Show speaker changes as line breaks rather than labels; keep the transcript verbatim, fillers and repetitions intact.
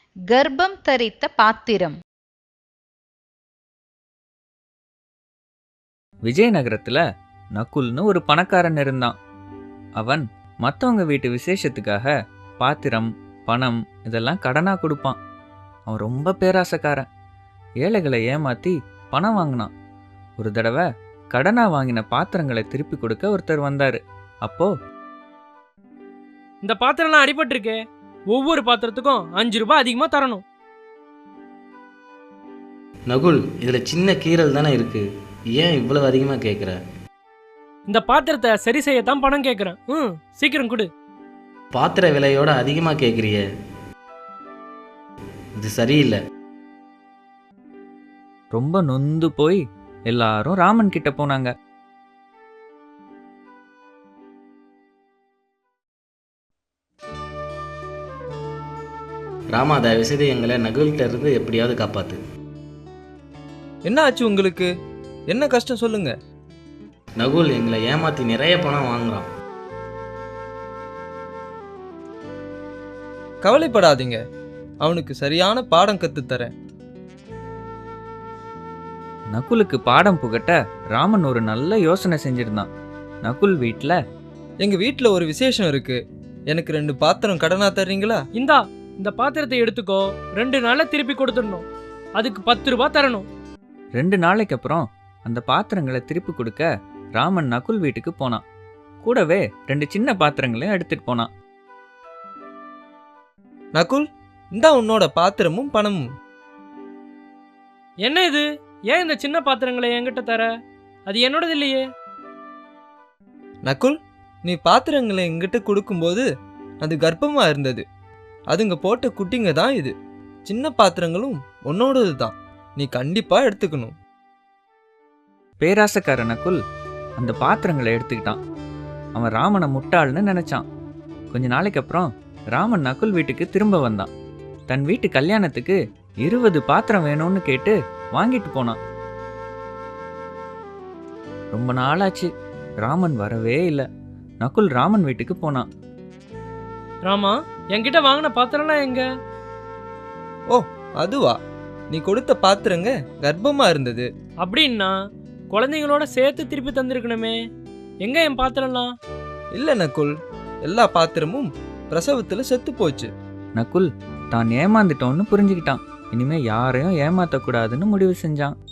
கர்ப்பம் தரித்த பாத்திரம்.
விஜயநகரத்துல நகுல்னு ஒரு பணக்காரன் இருந்தான். அவன் மற்றவங்க வீட்டு விசேஷத்துக்காக பாத்திரம், பணம் இதெல்லாம் கடனா கொடுப்பான். அவன் ரொம்ப பேராசக்காரன். ஏழைகளை ஏமாத்தி பணம் வாங்கினான். ஒரு தடவை கடனா வாங்கின பாத்திரங்களை திருப்பி கொடுக்க ஒருத்தர் வந்தாரு. அப்போ,
இந்த பாத்திரம்லாம் அடிபட்டிருக்கே, ஒவ்வொரு பாத்திரத்துக்கும் அஞ்சு ரூபாய் அதிகமா தரணும்.
நகுல், இதுல சின்ன கீறல் தானே இருக்கு, ஏன் இவ்வளவு அதிகமா கேட்குற?
இந்த பாத்திரத்தை சரி செய்யத்தான் பணம் கேட்குறேன். ம் சீக்கிரம் கொடு.
பாத்திர விலையோட அதிகமா கேட்குறிய, இது சரியில்லை.
ரொம்ப நொந்து போய் எல்லாரும் ராமன் கிட்ட போனாங்க.
ராமா, தயவு செய்து எங்களை நகுல்கிட்ட இருந்து எப்படியாவது காப்பாத்து.
என்ன ஆச்சு உங்களுக்கு? என்ன கஷ்டம் சொல்லுங்க.
நகுல் எங்களை ஏமாத்தி நிறைய பணம் வாங்குறான்.
கவலைப்படாதீங்க, அவனுக்கு சரியான பாடம் கத்துத்தரேன்.
நகுலுக்கு பாடம் புகட்ட ராமன் ஒரு நல்ல யோசனை செஞ்சிருந்தான். நகுல் வீட்டுல,
எங்க வீட்டுல ஒரு விசேஷம் இருக்கு, எனக்கு ரெண்டு பாத்திரம் கடனா தர்றீங்களா?
இந்தா, இந்த பாத்திரத்தை எடுத்துக்கோ, ரெண்டு நாள்ல திருப்பி கொடுத்துடணும், அதுக்கு பத்து ரூபாய் தரணும்.
ரெண்டு நாளைக்கு அப்புறம் அந்த பாத்திரங்களை திருப்பி கொடுக்க ராமன் நகுல் வீட்டுக்கு போனான். கூடவே ரெண்டு சின்ன பாத்திரங்களையும் எடுத்துட்டு போனான்.
நகுல், இந்தா உன்னோட பாத்திரமும் பணமும்.
என்ன இது? ஏன் இந்த சின்ன பாத்திரங்களை என்கிட்ட தர? அது என்னோடது இல்லையே.
நகுல், நீ பாத்திரங்களை எங்கிட்ட கொடுக்கும்போது அது கர்ப்பமா இருந்தது, அதுங்க போட்ட குட்டிங்க தான் இது. சின்ன பாத்திரங்களும் உன்னோடது தான், நீ கண்டிப்பா எடுத்துக்கணும்.
பேராசக்கார நகுல் அந்த பாத்திரங்களை எடுத்துக்கிட்டான். அவன் ராமனை முட்டாள்னு நினைச்சான். கொஞ்ச நாளைக்கு அப்புறம் ராமன் நகுல் வீட்டுக்கு திரும்ப வந்தான். தன் வீட்டு கல்யாணத்துக்கு இருபது பாத்திரம் வேணும்னு கேட்டு வாங்கிட்டு போனான். ரொம்ப நாளாச்சு, ராமன் வரவே இல்லை. நகுல் ராமன் வீட்டுக்கு போனான்.
ராமா, என்கிட்ட வாங்கின பாத்திரம்லாம் எங்க?
ஓ, அதுவா? நீ கொடுத்த பாத்திரங்க கர்ப்பமா இருந்தது.
அப்படின்னா குழந்தைங்களோட சேர்த்து திருப்பி தந்திருக்கணுமே, எங்க என் பாத்திரம்லாம்?
இல்ல நகுல், எல்லா பாத்திரமும் பிரசவத்துல செத்து போச்சு.
நகுல் தான் ஏமாந்துட்டோன்னு புரிஞ்சுக்கிட்டான். இனிமே யாரையும் ஏமாத்தக்கூடாதுன்னு முடிவு செஞ்சான்.